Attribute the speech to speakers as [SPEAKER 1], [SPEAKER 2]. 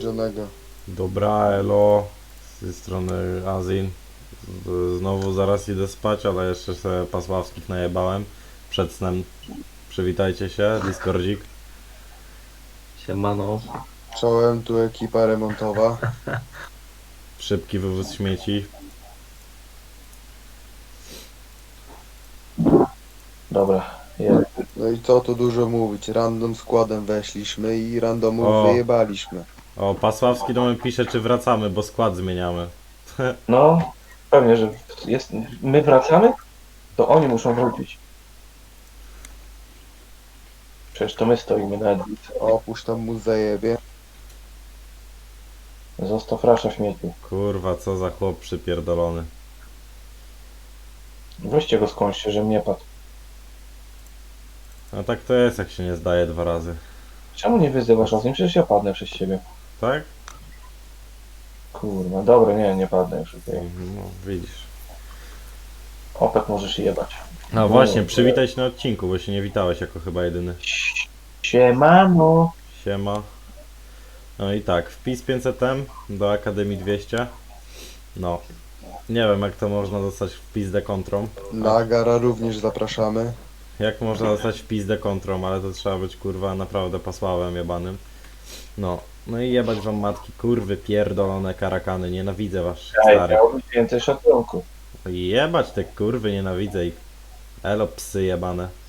[SPEAKER 1] Johnnego.
[SPEAKER 2] Dobra, elo, z tej strony Azin. Znowu zaraz idę spać, ale jeszcze sobie pasławskich najebałem przed snem. Przywitajcie się, Discordzik.
[SPEAKER 3] Siemano.
[SPEAKER 1] Czołem, tu ekipa remontowa.
[SPEAKER 2] Szybki wywóz śmieci.
[SPEAKER 3] Dobra, jest.
[SPEAKER 1] No i co tu dużo mówić, random składem weszliśmy i randomów
[SPEAKER 2] O.
[SPEAKER 1] wyjebaliśmy.
[SPEAKER 2] O, Pasławski do mnie pisze, czy wracamy, bo skład zmieniamy.
[SPEAKER 3] No, pewnie, że jest. My wracamy, to oni muszą wrócić. Przecież to my stoimy na Edwicy.
[SPEAKER 1] Opuść tam mu zajebie.
[SPEAKER 3] Zostaw rasza śmieci.
[SPEAKER 2] Kurwa, co za chłop przypierdolony.
[SPEAKER 3] Weźcie go skądś, że mnie padł.
[SPEAKER 2] No tak to jest, jak się nie zdaje 2 razy.
[SPEAKER 3] Czemu nie wyzywasz o tym? Przecież ja padnę przez ciebie.
[SPEAKER 2] Tak?
[SPEAKER 3] Kurwa, dobra, nie padnę już. Okay.
[SPEAKER 2] No, widzisz.
[SPEAKER 3] Opek możesz jebać.
[SPEAKER 2] No właśnie, przywitaj się na odcinku, bo się nie witałeś jako chyba jedyny.
[SPEAKER 3] Siemano.
[SPEAKER 2] Siema. No i tak, wpis 500M do Akademii 200. No. Nie wiem, jak to można dostać wpis dekontrą.
[SPEAKER 1] Na Gara również zapraszamy.
[SPEAKER 2] Jak można dostać wpis dekontrą, ale to trzeba być kurwa naprawdę pasławem jebanym. No. No i jebać wam matki, kurwy pierdolone karakany, nienawidzę was
[SPEAKER 3] Ej,
[SPEAKER 2] stary.
[SPEAKER 3] miałbyś więcej szacunku.
[SPEAKER 2] Jebać te kurwy, nienawidzę ich. Elo psy jebane.